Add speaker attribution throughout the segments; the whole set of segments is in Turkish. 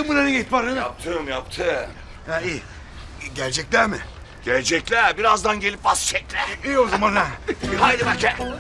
Speaker 1: Yaptın mı lan ihbarını?
Speaker 2: Yaptım.
Speaker 1: Ha iyi. Gelecekler mi?
Speaker 2: Gelecekler. Birazdan gelip basacaklar.
Speaker 1: İyi o zaman lan.
Speaker 2: Haydi bakayım.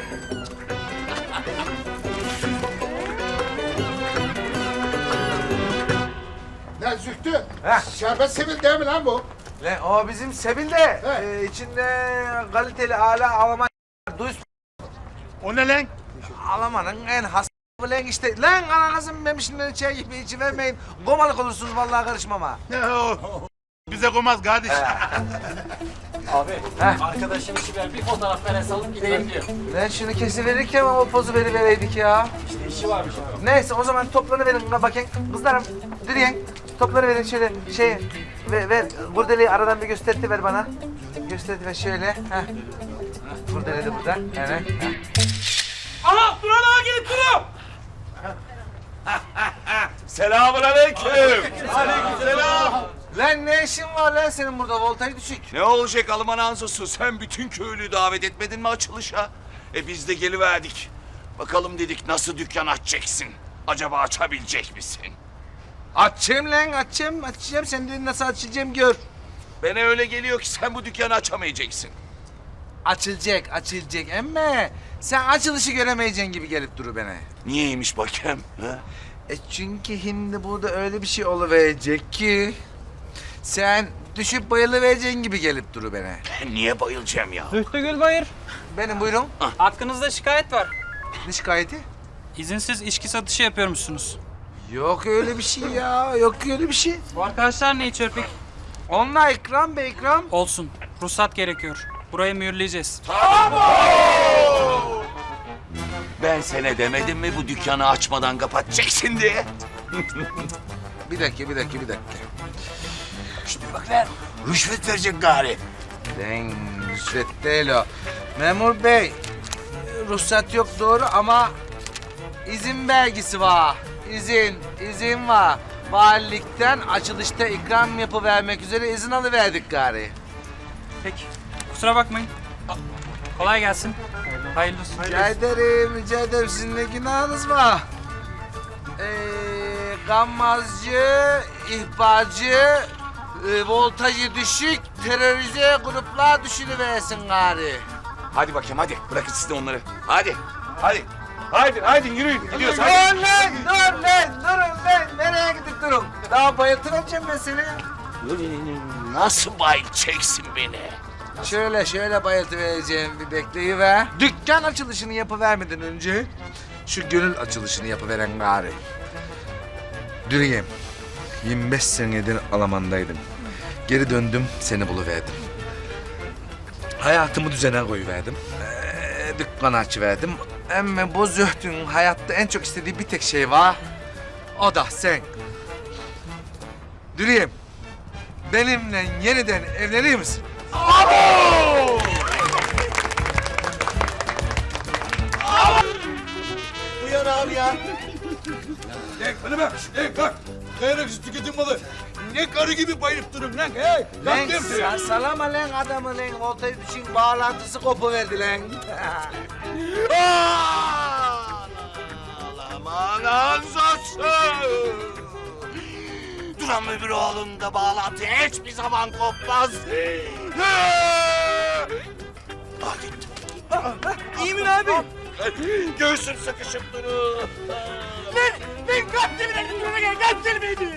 Speaker 3: Lan Zühtü, şerbet Sevil değil mi lan bu?
Speaker 4: Lan o bizim Sebil de içinde kaliteli ala Alman duyuz
Speaker 1: O ne lan?
Speaker 4: Alman'ın en has lan işte lan ananızın memişinden çay gibi içivermeyin. Gomalık olursunuz vallahi karışmam ha.
Speaker 1: Bize koymaz kardeş.
Speaker 5: Abi, arkadaşım işi ver, bir fotoğraf ver, alıp gideyim diyor.
Speaker 4: Lan şunu kesiverirken o pozu verivereydik ya.
Speaker 5: İşte işi varmış abi.
Speaker 4: Neyse o zaman toplanıverin bakayım. Kızlarım direyen toplanıverin şöyle şey ver kurdeleyi aradan bir gösterti bana. Gösterti ver şöyle. Heh. Kurdele de burada. Evet.
Speaker 5: Aha, Duran ağa gelip duruyor.
Speaker 2: Selamünaleyküm.
Speaker 5: Aleykümselam.
Speaker 4: Lan ne işin var lan senin burada voltaj düşük.
Speaker 2: Ne olacak Alman Anzosu? Sen bütün köylüyü davet etmedin mi açılışa? Biz de geliverdik. Bakalım dedik nasıl dükkan açacaksın? Acaba açabilecek misin?
Speaker 4: Açayım lan açacağım. Sen de nasıl açacağım gör.
Speaker 2: Bana öyle geliyor ki sen bu dükkanı açamayacaksın.
Speaker 4: Açılacak ama sen açılışı göremeyeceksin gibi gelip duru bana.
Speaker 2: Niyeymiş bakayım? Ha?
Speaker 4: Çünkü şimdi burada öyle bir şey oluverecek ki sen düşüp bayılıvereceksin gibi gelip duru bana.
Speaker 2: Ben niye bayılacağım ya?
Speaker 5: Zühtü Gülbayır,
Speaker 4: Benim buyurun.
Speaker 5: hakkınızda şikayet var.
Speaker 4: Ne şikayeti?
Speaker 5: İzinsiz içki satışı yapıyormuşsunuz.
Speaker 4: Yok öyle bir şey ya. Yok öyle bir şey.
Speaker 5: Bu arkadaşlar ne içiyor peki?
Speaker 4: Onunla ikram be ikram.
Speaker 5: Olsun, ruhsat gerekiyor. Burayı mühürleyeceğiz.
Speaker 2: Ben sana demedim mi bu dükkanı açmadan kapatacaksın diye?
Speaker 4: Bir dakika.
Speaker 1: Şimdi bak lan. Rüşvet verecek gari.
Speaker 4: Lan rüşvet değil o. Memur bey, ruhsat yok doğru ama izin belgesi var. İzin var. Valilikten açılışta ikram yapıvermek üzere izin alıverdik gari.
Speaker 5: Peki, kusura bakmayın. Kolay gelsin. Hayırlı olsun.
Speaker 4: Rica ederim. Sizin ne günahınız var? Gammazcı, ihbarcı, voltajı düşük, terörize gruplar düşünüversin gari.
Speaker 2: Hadi bakayım hadi. Bırakın siz de onları. Hadi. Haydi yürüyün. Gidiyoruz hadi.
Speaker 4: Durun lan. Nereye gidip durun? Daha bayıltıracağım ben seni.
Speaker 2: Nasıl bayılacaksın beni?
Speaker 4: Şöyle bayıltıvereceğim bir bekleyiver. Dükkan açılışını yapıvermeden önce şu gönül açılışını yapıveren gari. Dürüyem. 25 senedir Alman'daydım. Geri döndüm, seni buluverdim. Hayatımı düzene koyuverdim. Dükkan açıverdim. Ama bu Zühtü'nün hayatta en çok istediği bir tek şey var. O da sen. Dürüyem. Benimle yeniden evlenir misin?
Speaker 1: Uyan abi ya. Bana bak. Bak. Kayraksız tüketim malı. Ne karı gibi bayılıp durun lan. Hey.
Speaker 4: Lan salama lan adamı lan. Voltaj düşün bağlantısı kopuverdi lan.
Speaker 2: Aman Anzosu! Duran öbür oğlunda bağlantı hiçbir zaman kopmaz. Gitti.
Speaker 4: İyi mi abi?
Speaker 2: Göğsüm sıkışıp durur.
Speaker 4: Ben kaptırım beni. Kaptırım beni.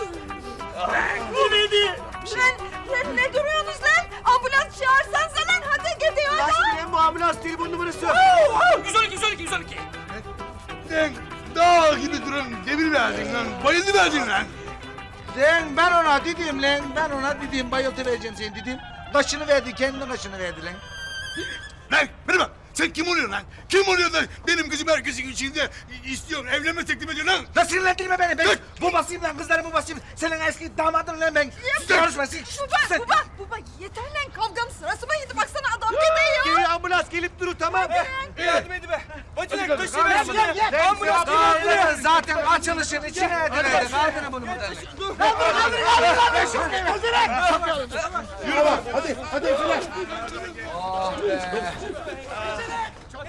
Speaker 4: Bu neydi?
Speaker 6: Lan ne duruyorsunuz lan? Ambulans çağırsanıza lan hadi gidiyor adam.
Speaker 1: Bu ambulans telefon numarası.
Speaker 5: 112.
Speaker 1: Lan dağ gibi durun. Demir verdin lan. Bayıldı verdin lan.
Speaker 4: Ben ona dedim bayıltı vereceğim seni dedim. Kaşını verdi, kendi kaşını verdi lan.
Speaker 1: Lan bana bak. Sen kim oluyorsun lan? Kim oluyor da benim kızım herkesin içinde istiyorsun, evlenme teklif ediyorsun lan?
Speaker 4: La sinirlendirme beni. Ben bu basayım lan, kızları bu basayım. Senin eski damadın lan ben. Konuşma sen.
Speaker 6: Baba yeter lan kavganın sırası mı yedi baksana adam gidiyor.
Speaker 1: Geliyor ambulans gelip durur tamam.
Speaker 5: Yardım edin be. Bacınak
Speaker 4: Gel. Zaten açılışın içine ediverdi. Kaldırın bunu buradan.
Speaker 1: Yürü bak hadi Efeler.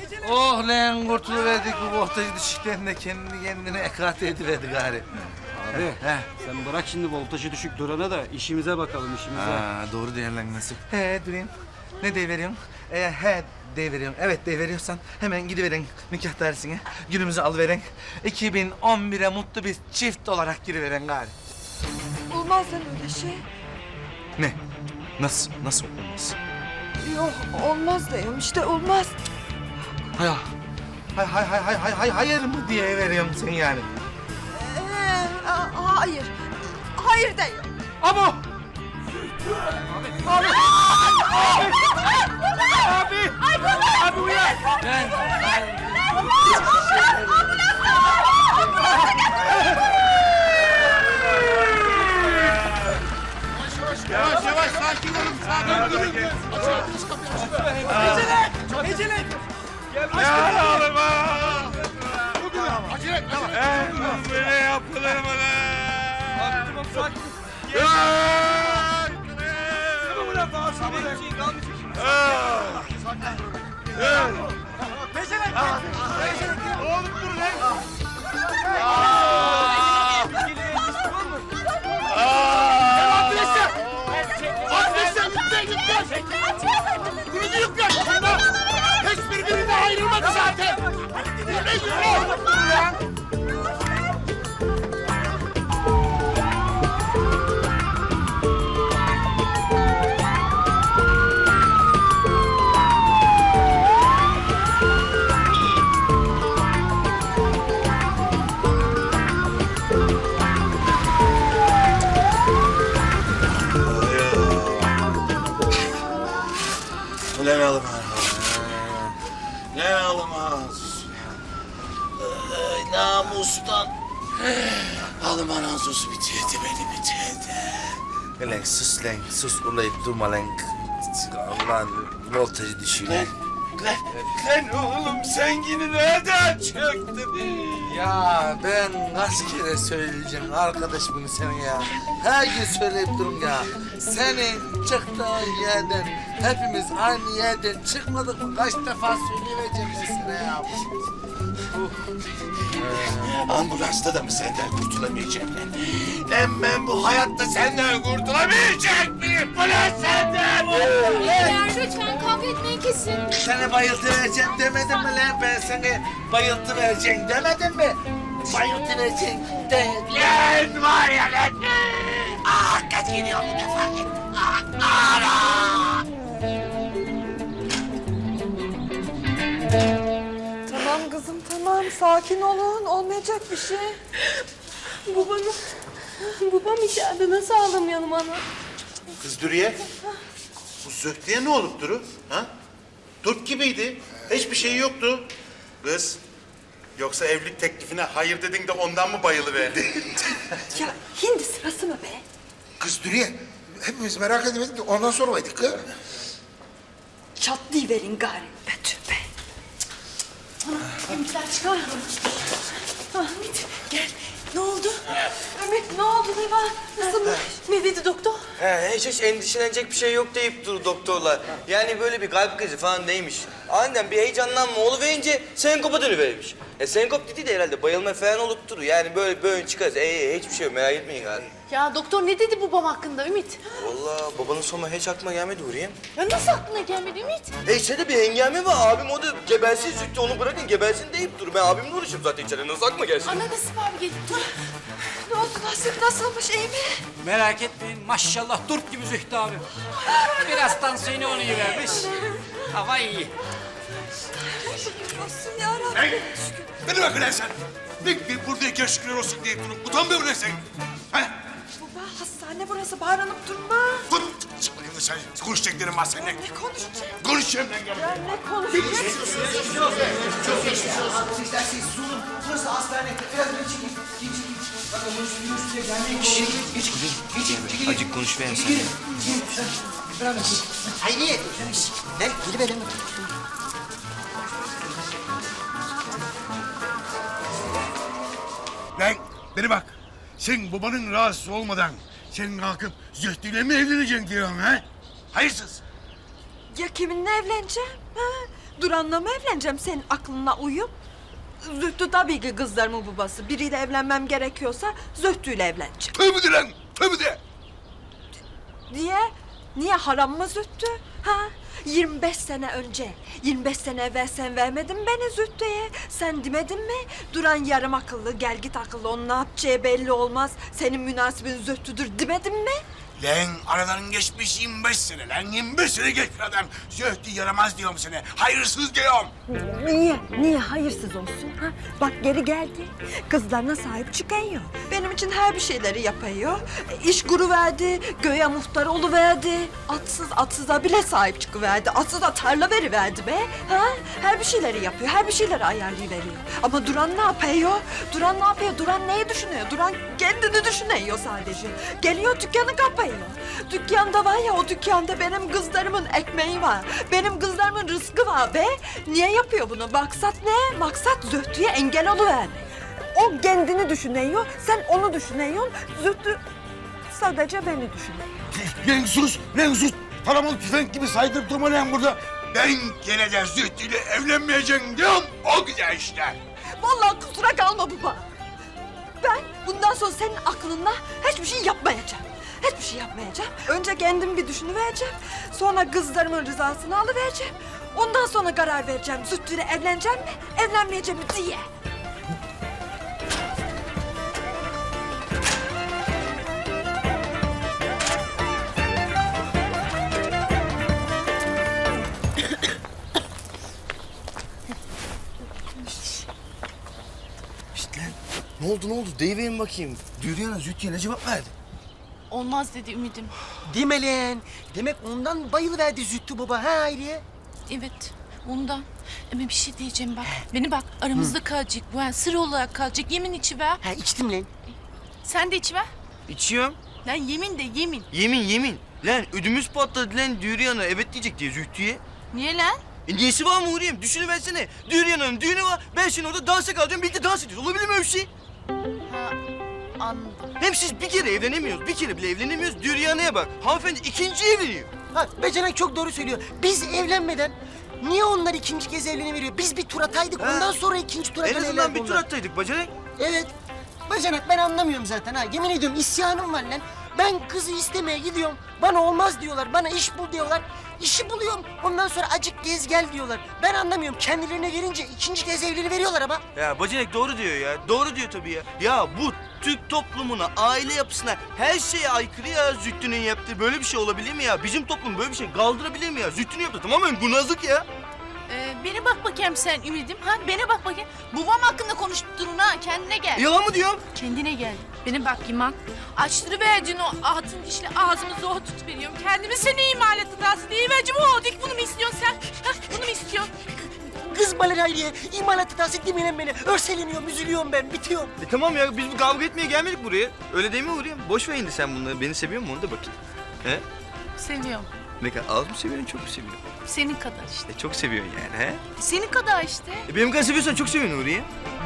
Speaker 4: Oh lan kurtuluverdik bu voltajı düşükten de kendini kendine ekarte ediverdi gari.
Speaker 5: Abi sen bırak şimdi voltajı düşük durana da işimize bakalım işimize.
Speaker 4: Doğru değerlenmesi. Durayım. Ne deveriyorsun? He deveriyorum. Evet deveriyorsan hemen gidiverin nikah dairesine. Günümüzü alıverin. 2011'e mutlu bir çift olarak giriverin gari.
Speaker 6: Olmaz lan öyle şey.
Speaker 4: Ne? Nasıl? Nasıl olmaz?
Speaker 6: Yok olmaz diyorum işte olmaz.
Speaker 4: Hayır mı diye veriyorum sen yani.
Speaker 6: Hayır. Hayır diyorum.
Speaker 4: Ama
Speaker 3: Yavaş yavaş sakin olun. Sakin durun.
Speaker 2: Ya oğlum ha!
Speaker 3: Acele et. Yavaş.
Speaker 2: Böyle yapılır mı lan?
Speaker 3: Adrese yükle. Bunu yükle. Hiçbirbirine ayrılmadı zaten. Yürü.
Speaker 2: Ulan alım ne almaz? Namustan. Alım anasız bitirdi beni bitirdi.
Speaker 4: Lan sus lan sus ulayıp durma lan. Allah'ın voltajı düşüyor lan.
Speaker 2: Lan oğlum sen yine nereden çıktın?
Speaker 4: Ya ben kaç kere söyleyeceğim arkadaş bunu sana ya. Her gün söyleyip durum ya. Senin çıktığın yerden hepimiz aynı yerden çıkmadık mı? Kaç defa söyleyeceğim ben sana ya.
Speaker 2: Ambulansta da mı senden kurtulamayacağım lan? Lan ben bu hayatta senden kurtulamayacak mıyım? Ulan senden!
Speaker 7: Beyler lütfen kavga etmeyi kesin.
Speaker 4: Sana bayıltı vereceğim demedim mi lan? Ben sana bayıltı vereceğim demedim mi? Bayıltı vereceğim de.
Speaker 2: Lan var ya lan! Ah kaç gidiyor bu defa git.
Speaker 6: Tamam kızım tamam sakin olun olmayacak bir şey.
Speaker 7: Babam içeride nasıl ağlamayalım ana?
Speaker 3: Kız Dürüye. Bu Zühtü'ye ne olup duru? Ha? Turp gibiydi. Hiçbir şey yoktu. Kız. Yoksa evlilik teklifine hayır dedin de ondan mı bayılıverdi?
Speaker 6: Ya hindi sırası mı be?
Speaker 3: Kız Dürüye. Hepimiz merak edemedik de ondan sonra oydik kız.
Speaker 6: Çatlayıverin gari. Betül be.
Speaker 7: Ümitler çıkar.
Speaker 6: Ahmet gel. Ne oldu? Ümit ne oldu ne var? Nasılmış? Ne dedi doktor?
Speaker 8: Hiç endişelenecek bir şey yok deyip dur doktorlar. Yani böyle bir kalp krizi falan değilmiş. Aniden bir heyecanlanma oluverince senkopa dönüvermiş. Senkop dedi de herhalde bayılma falan olup durur. Yani böyle böğün çıkarız. Hiçbir şey yok merak etmeyin gari.
Speaker 7: Ya doktor ne dedi babam hakkında Ümit?
Speaker 8: Vallahi babanın sonu hiç aklıma gelmedi Hürriyem.
Speaker 7: Ya nasıl aklına gelmedi Ümit?
Speaker 8: İçeride bir hengame var. Abim o da gebersin Zühtü onu bırakın gebersin deyip dur. Ben abimle uğraşıyorum zaten içeride. Nasıl aklıma gelsin?
Speaker 7: Ana Nasip abi geldi. Dur.
Speaker 6: Ne oldu Nasip nasılmış iyi mi?
Speaker 5: Merak etmeyin maşallah turp gibi Zühtü abi. Biraz tansiyonu onu vermiş. Hava iyi.
Speaker 6: Şükür olsun yarabbim.
Speaker 1: Beni bak ulan sen. Ne buradayken şükürler olsun deyip durup utanmıyor musun sen? Ha?
Speaker 6: Baba hastane burası bağırınıp durma.
Speaker 1: Dur. Çık bakayım sen. Konuşacaklarım var seninle.
Speaker 6: Ne konuşacağım?
Speaker 1: Konuşacağım ben gel.
Speaker 6: Ya ne konuşacağım?
Speaker 8: Acık konuş ben sana.
Speaker 9: Hayriye, gel geliverin.
Speaker 1: Lan beni bak. Sen babanın rahatsız olmadan sen kalkıp Zühtü'yle mi evleneceksin diyorsun ha? Hayırsız.
Speaker 6: Ya kiminle evleneceğim? Ha? Duran'la mı evleneceğim senin aklına uyup? Zühtü tabii ki kızlarımın babası. Biriyle evlenmem gerekiyorsa Zühtü'yle evleneceğim.
Speaker 1: Tövbe de lan, tövbe de.
Speaker 6: Niye? Niye haram mı Zühtü? Ha? 25 sene önce, 25 sene evvel sen vermedin beni Zühtü'ye. Sen demedin mi? Duran yarım akıllı, gel git akıllı, onun ne yapacağı belli olmaz. Senin münasibin Zühtü'dür demedin mi?
Speaker 1: Lan aradan geçmiş 25 sene lan. 25 sene geçmiş adam. Zühtü yaramaz diyorum sana. Hayırsız diyorum.
Speaker 6: Niye? Niye hayırsız olsun? Ha? Bak geri geldi. Kızlarına sahip çıkıyor. Benim için her bir şeyleri yapıyor. İş kuruverdi, göğe muhtar oluverdi. Atsıza bile sahip çıkıverdi. Atsıza tarla veriverdi be. Ha? Her bir şeyleri yapıyor, her bir şeyleri ayarlayıveriyor. Ama Duran ne yapıyor? Duran ne yapıyor? Duran neyi düşünüyor? Duran kendini düşünüyor sadece. Geliyor dükkanı kapıyor. Dükkanda var ya, o dükkanda benim kızlarımın ekmeği var. Benim kızlarımın rızkı var be. Niye yapıyor bunu? Maksat ne? Maksat Zühtü'ye engel oluvermek. O kendini düşünüyor, sen onu düşünüyorsun. Zühtü sadece beni düşünüyor.
Speaker 1: Lan sus. Paramı tüfek gibi saydırıp durma lan burada. Ben gene de Zühtü'yle evlenmeyeceğim diyorum. O güzel işte.
Speaker 6: Vallahi kusura kalma baba. Ben bundan sonra senin aklınla hiçbir şey yapmayacağım. Hiçbir şey yapmayacağım. Önce kendim bir düşünüvereceğim. Sonra kızlarımın rızasını alıvereceğim. Ondan sonra karar vereceğim. Zühtü'yle evleneceğim mi, evlenmeyeceğim mi diye.
Speaker 8: Ne oldu? Deyiverin bakayım. Dürüyan'a Zühtü'ye ne cevap verdi?
Speaker 7: Olmaz dedi Ümit'im.
Speaker 9: Deme lan. Demek ondan bayılıverdi Zühtü baba ha Hayriye?
Speaker 7: Evet, ondan. Ama bir şey diyeceğim bak. Beni bak, aramızda kalacak bu. Yani sır olarak kalacak. Yemin içiver.
Speaker 9: Ha içtim lan.
Speaker 7: Sen de içiver.
Speaker 8: İçiyorum.
Speaker 7: Lan yemin de yemin.
Speaker 8: Yemin. Lan ödümüz patladı lan Dürüyan'a evet diyecek diye Zühtü'ye.
Speaker 7: Niye lan?
Speaker 8: Niyesi var mı Huriye'm? Düşünüversene. Dürüyan'ın düğünü var. Ben şimdi orada dansa kalacağım. Birlikte dans ediyoruz. Olabilir mi öyle bir şey?
Speaker 7: Ha, anladım.
Speaker 8: Hem siz bir kere evlenemiyoruz. Bir kere bile evlenemiyoruz. Dürüyan'a bak. Hanımefendi ikinci evleniyor.
Speaker 9: Ha Becenek çok doğru söylüyor. Biz evlenmeden niye onlar ikinci kez evleniveriyor? Biz bir tur ataydık ondan sonra ikinci tura
Speaker 8: En azından
Speaker 9: dönerlerdi
Speaker 8: bir tur
Speaker 9: onlar.
Speaker 8: attaydık bacanak.
Speaker 9: Evet. Bacanak ben anlamıyorum zaten ha. Yemin ediyorum isyanım var lan. Ben kızı istemeye gidiyorum. Bana olmaz diyorlar. Bana iş bul diyorlar. İşi buluyorum. Ondan sonra acık gez gel diyorlar. Ben anlamıyorum. Kendilerine gelince ikinci kez evleniveriyorlar ama.
Speaker 8: Ya bacanak doğru diyor ya. Doğru diyor tabii ya. Ya bu Türk toplumuna, aile yapısına her şeye aykırı ya Zühtü'nün yaptığı. Böyle bir şey olabilir mi ya? Bizim toplum böyle bir şey kaldırabilir mi ya? Zühtü'nün yaptığı tamamen kurnazlık ya.
Speaker 7: Beni bak bakayım sen Ümit'im. Ha, beni bak bakayım. Babam hakkında konuşup durun ha. Kendine gel.
Speaker 8: Yalan mı diyorum?
Speaker 7: Kendine gel. Beni bak Yaman. Açtırıverdin o altın dişli ağzımı zor tutuveriyorum. Kendimi seni imal ettin Rasim. Deyivercim o. Dik bunu mu istiyorsun sen? Ha, bunu mu istiyorsun?
Speaker 9: Kız balir Hayriye. İmalatı tahsil demeyin beni. Örseleniyorum, üzülüyorum ben. Bitiyorum.
Speaker 8: Tamam ya biz bu kavga etmeye gelmedik buraya. Öyle değil mi Huriye? Boş ver indi sen bunları. Beni seviyor musun onu da bakayım. He?
Speaker 7: Seviyorum.
Speaker 8: Ne kadar az mı seviyorsun çok mu seviyorsun?
Speaker 7: Senin kadar işte.
Speaker 8: Çok seviyorsun yani he?
Speaker 7: Senin kadar işte.
Speaker 8: Benim kadar seviyorsan çok seviyorsun Huriye.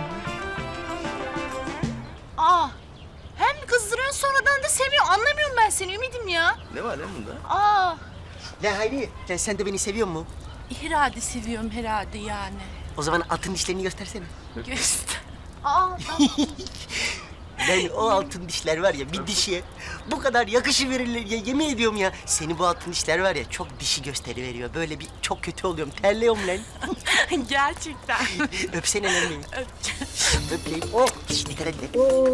Speaker 7: Aa. Hem kızdırıyorsun sonradan da seviyorsun. Anlamıyorum ben seni Ümit'im ya.
Speaker 8: Ne var lan bunda?
Speaker 7: Aa.
Speaker 9: La Hayriye, sen de beni seviyor musun?
Speaker 7: Herhalde seviyorum herhalde yani.
Speaker 9: O zaman altın dişlerini göstersene.
Speaker 7: Göster. Aa.
Speaker 9: Yani o altın dişler var ya bir dişiye bu kadar yakışıverirler ya yemin ediyorum ya. Seni bu altın dişler var ya çok dişi gösteriveriyor. Böyle bir çok kötü oluyorum. Terliyorum lan.
Speaker 7: Gerçekten.
Speaker 9: Öpsene lan beni.
Speaker 7: Öpeceğim.
Speaker 9: Öp lan. Oh. Şişt, dikkat et lan.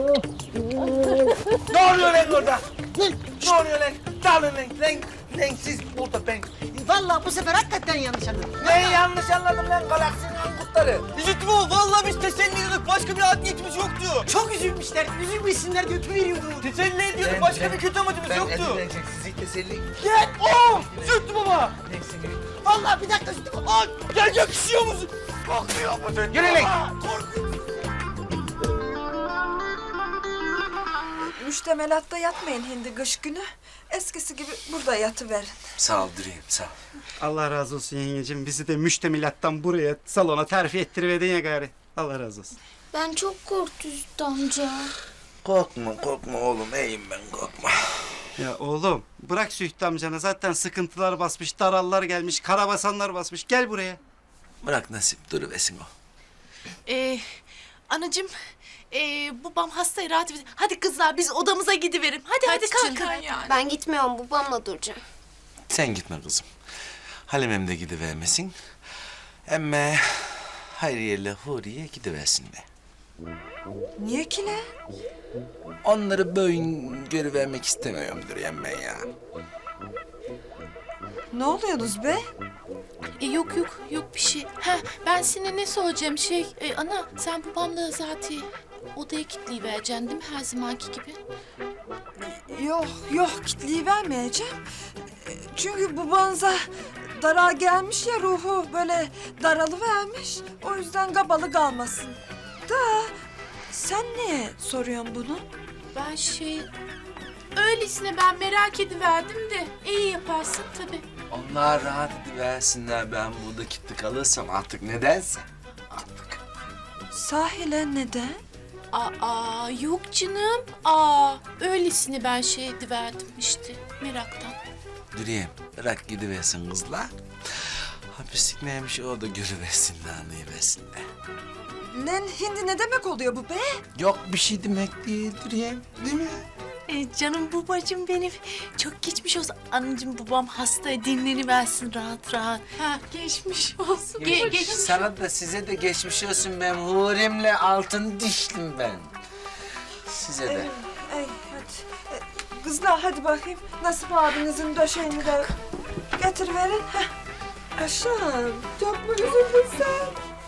Speaker 4: Ne oluyor lan orada? Ne oluyor lan? Dağılın lan siz burada ben.
Speaker 9: Vallahi bu sefer hakikaten yanlış anladım.
Speaker 4: Neyi yanlış anladım lan galaksinin ankutları?
Speaker 8: Zühtü bu. Vallahi biz teselli ediyorduk. Başka bir art niyetimiz yoktu.
Speaker 9: Çok üzülmüşler. Üzülmesinler diye öpüveriyordum.
Speaker 8: Teselli ediyorduk. Başka bir kötü amacımız yoktu.
Speaker 4: Sizi teselli...
Speaker 9: Gel. Oh.
Speaker 8: Zühtü baba.
Speaker 9: Vallahi bir dakika Zühtü.
Speaker 8: Aa, gel yakışıyor musun? Korkmuyor musun?
Speaker 4: Yürü lan.
Speaker 6: Müştemelatta yatmayın hindi kış günü. Eskisi gibi burada yatıverin.
Speaker 4: Sağ ol Dürüyem sağ ol.
Speaker 10: Allah razı olsun yengecim. Bizi de müştemilattan buraya, salona terfi ettiriverdin ya gari. Allah razı olsun.
Speaker 7: Ben çok korktum Zühtü amca.
Speaker 4: Korkma oğlum iyiyim ben korkma.
Speaker 10: Ya oğlum bırak Zühtü amcana. Zaten sıkıntılar basmış, darallar gelmiş, karabasanlar basmış. Gel buraya.
Speaker 4: Bırak nasip duruversin o.
Speaker 7: Anacığım, babam hasta rahat edin. Hadi kızlar biz odamıza gidiverim. Hadi kalkın yani.
Speaker 11: Ben gitmiyorum, babamla duracağım.
Speaker 4: Sen gitme kızım. Halimem de gidivermesin. Emme Hayriye'yle Huriye gidiversinler.
Speaker 6: Niye ki ne?
Speaker 4: Onları böğün görüvermek istemiyorumdur emme ya.
Speaker 6: Ne oluyorsunuz be?
Speaker 7: Yok bir şey. Ha, ben sana ne soracağım ana sen babamla zaten odaya kilitliyivereceksin değil mi her zamanki gibi?
Speaker 6: Yok kitleyi vermeyeceğim. Çünkü babanıza dara gelmiş ya ruhu böyle daralıvermiş. O yüzden kabalı kalmasın. Da sen niye soruyorsun bunu?
Speaker 7: Ben öylesine ben merak ediverdim de iyi yaparsın tabii.
Speaker 4: Onlar rahat ediversinler, ben burada kilitli kalırsam artık nedense.
Speaker 6: Sahile neden?
Speaker 7: Aa yok canım. Öylesine ben ediverdim işte meraktan.
Speaker 4: Dürüyem, bırak gidiversin kızlar. Hapislik neymiş o da görüversinler, anlayıversinler.
Speaker 6: Lan hindi ne demek oluyor bu be?
Speaker 4: Yok bir şey demek değil Dürüyem, değil mi?
Speaker 7: Canım babacığım benim. Çok geçmiş olsun. Anacığım babam hasta dinleniversin rahat rahat. Ha geçmiş olsun. Geçmiş.
Speaker 4: Sana da size de geçmiş olsun, ben Huri'mle altın dişlim ben. Size de.
Speaker 6: Hadi. Kızlar hadi bakayım. Nasip abinizin döşeğini de getiriverin. Aşağım. Çok mu üzüldün sen?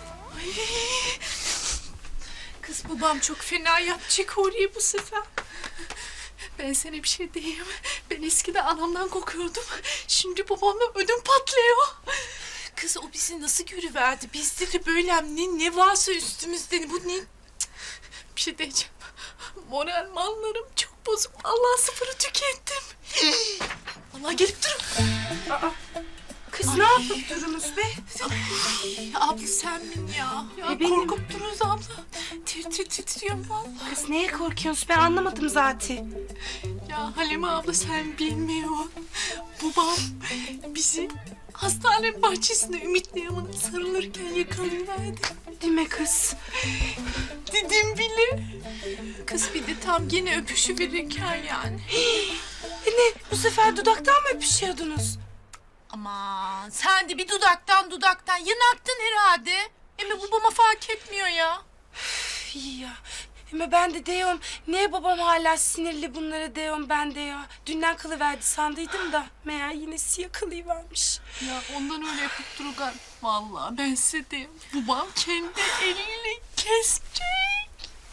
Speaker 7: Kız babam çok fena yapacak Huriye bu sefer. Ben sana bir şey diyeyim. Ben eskiden anamdan korkuyordum. Şimdi babamla ödüm patlıyor. Kız o bizi nasıl görüverdi? Bizde de böyle ne varsa üstümüzde. Bu ne? Bir şey diyeceğim. Moral mallarım çok bozuk. Allah sıfırı tükettim. Allah gelip durun.
Speaker 6: Kız ne yapıp durunuz be?
Speaker 7: Abla sen min ya. Korkup dururuz abla. Titriyorum vallahi.
Speaker 11: Kız neye korkuyorsun? Ben anlamadım zaten.
Speaker 7: Ya Halime abla sen bilmiyorsun. Babam bizi hastane bahçesinde Ümit'le yanına sarılırken yakalayıverdi.
Speaker 11: Değil mi kız?
Speaker 7: Dedim bile. Kız bir de tam gene öpüşüverirken yani.
Speaker 11: Ne? Bu sefer dudaktan mı öpüşüyordunuz?
Speaker 7: Aman sen de bir dudaktan yanaktın herhalde. Ama babama fark etmiyor ya.
Speaker 11: İyi ya. Ama ben de diyorum, niye babam hala sinirli bunlara diyorum ben de ya. Dünden kalıverdi sandıydım da meğer yine yakalayıvermiş.
Speaker 7: Ya ondan öyle yapıp dururken. Vallahi ben size diyeyim. Babam kendi eliyle kesecek.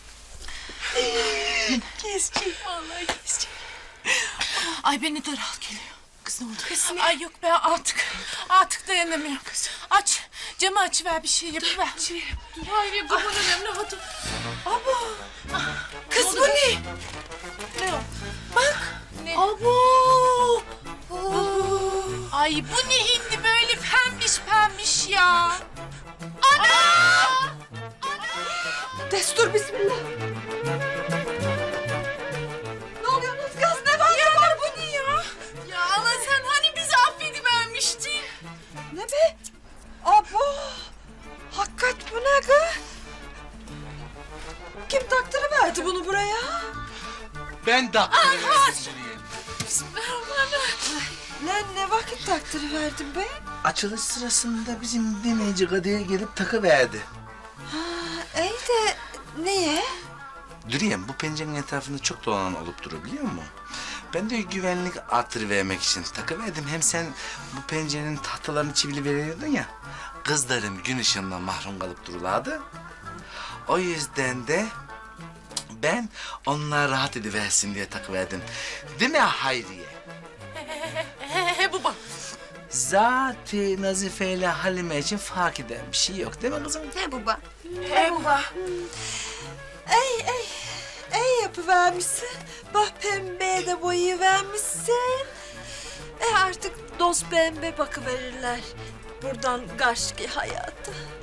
Speaker 7: Vallahi kesecek. Ay beni daral geliyor. Kız ne oldu? Kız ne? Ay yok ben artık dayanamıyorum kız. Aç, camı açıver bir şey yapıver. Dur hayır kurban önemli hadi.
Speaker 11: Kız bu ne?
Speaker 7: Ne o? Bak. Ne? Abo. Ay bu ne hindi böyle pembiş ya. Ana!
Speaker 6: Destur bismillah. Ne oluyorsunuz kız? Ne var?
Speaker 7: Bu ne ya? Ya Allah sen hani bizi affedivermiştin.
Speaker 6: Ne be? Abo! Hakikat bu ne kız? Kim taktırıverdi bunu buraya?
Speaker 4: Ben taktırıverdim.
Speaker 6: Lan ne vakit taktırıverdin be?
Speaker 4: Açılış sırasında bizim dinleyici Kadı'ya gelip takıverdi.
Speaker 6: İyi de niye?
Speaker 4: Dürüyem, bu pencerenin etrafında çok dolanan olup durur biliyor musun? Ben de güvenlik artırıvermek için takıverdim. Hem sen bu pencerenin tahtalarını çivili veriyordun ya. Kızlarım gün ışığından mahrum kalıp dururlardı. O yüzden de ben onlar rahat ediversin diye takıverdim. Değil mi Hayriye?
Speaker 7: Baba.
Speaker 4: Zaten Nazife ile Halime için fark eden bir şey yok değil mi kızım?
Speaker 11: He baba.
Speaker 6: İyi yapıvermişsin. Bak pembeye de boyayıvermişsin. Artık dost pembe bakıverirler. Buradan karşıki hayata.